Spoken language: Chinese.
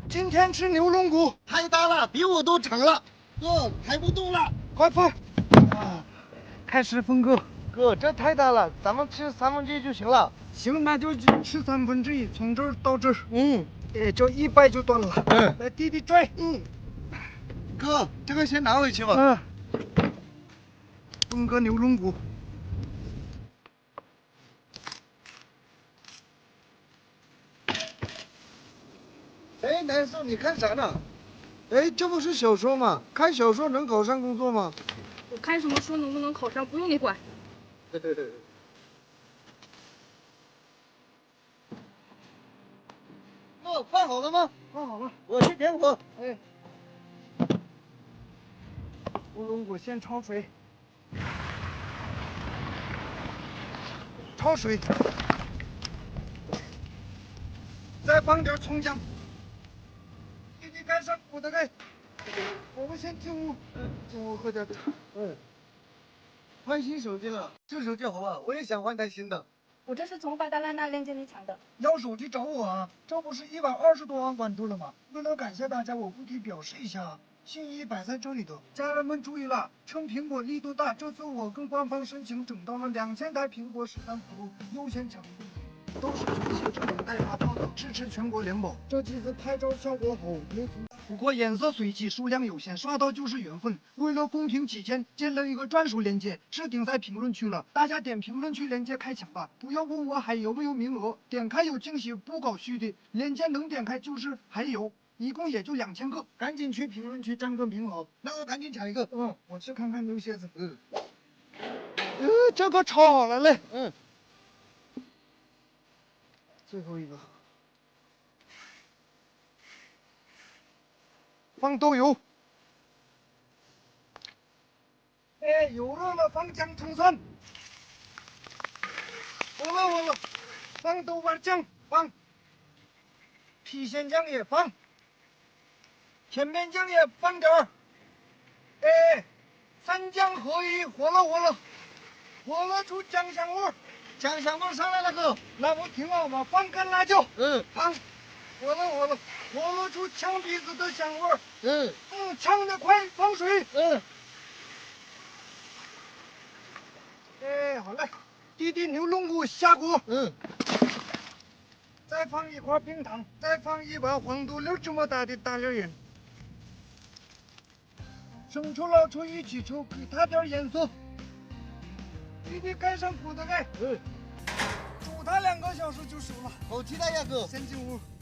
今天吃牛龙骨， 太大了，比我都长了，哥抬不动了。 快放！啊，开始分割。 哥，这太大了，咱们吃1/3就行了。 行，那就吃1/3，从这儿到这儿。 嗯， 这100就断了。 嗯， 来，弟弟拽。 哥，这个先拿回去吧。 分割牛龙骨。 哎，南宋，你看啥呢？ 哎，这不是小说吗？看小说能考上工作吗？ 我看什么书能不能考上，不用你管。 哦，放好了吗？ 放好了。 我去点火。 哎，牛龙骨先焯水，焯水，再放点葱姜。弟弟盖上骨的盖。我们先进屋，喝点茶。 换新手机了，这手机好不好？我也想换台新的。 我这是从巴达拉那链接里抢的。 要手机找我啊！这不是120多万关注了吗？为了感谢大家，我不得表示一下，心意摆在这里的。家人们注意了，趁苹果力度大，这次我跟官方申请整到了2000台苹果13 Pro 优先抢购，都是全系智能带发泡的，支持全国联保。这机子拍照效果好，没图。不过颜色随机，数量有限，刷到就是缘分。为了公平起见，建了一个专属链接，置顶在评论区了，大家点评论区链接开抢吧！不要问我还有没有名额，点开有惊喜，不搞虚的。链接能点开就是还有，一共也就2000个，赶紧去评论区占个名额。 那我赶紧抢一个。 我去看看牛蝎子。这个炒好了嘞。最后一个。放豆油，油热了放姜葱蒜，火了，放豆瓣酱，放郫县酱也放，甜面酱也放点儿，三酱合一，火了出酱香味儿， 酱香味上来了，哥。 那不挺好吗？放干辣椒，放，火了出呛鼻子的香味儿，呛得快，放水，好嘞，弟弟牛龙骨下锅，再放一块冰糖，再放一把黄豆粒这么大的大粒盐，生抽老抽一起抽，给它点颜色。弟弟盖上锅的盖，煮它2个小时就熟了。 好期待呀，哥。 先进屋。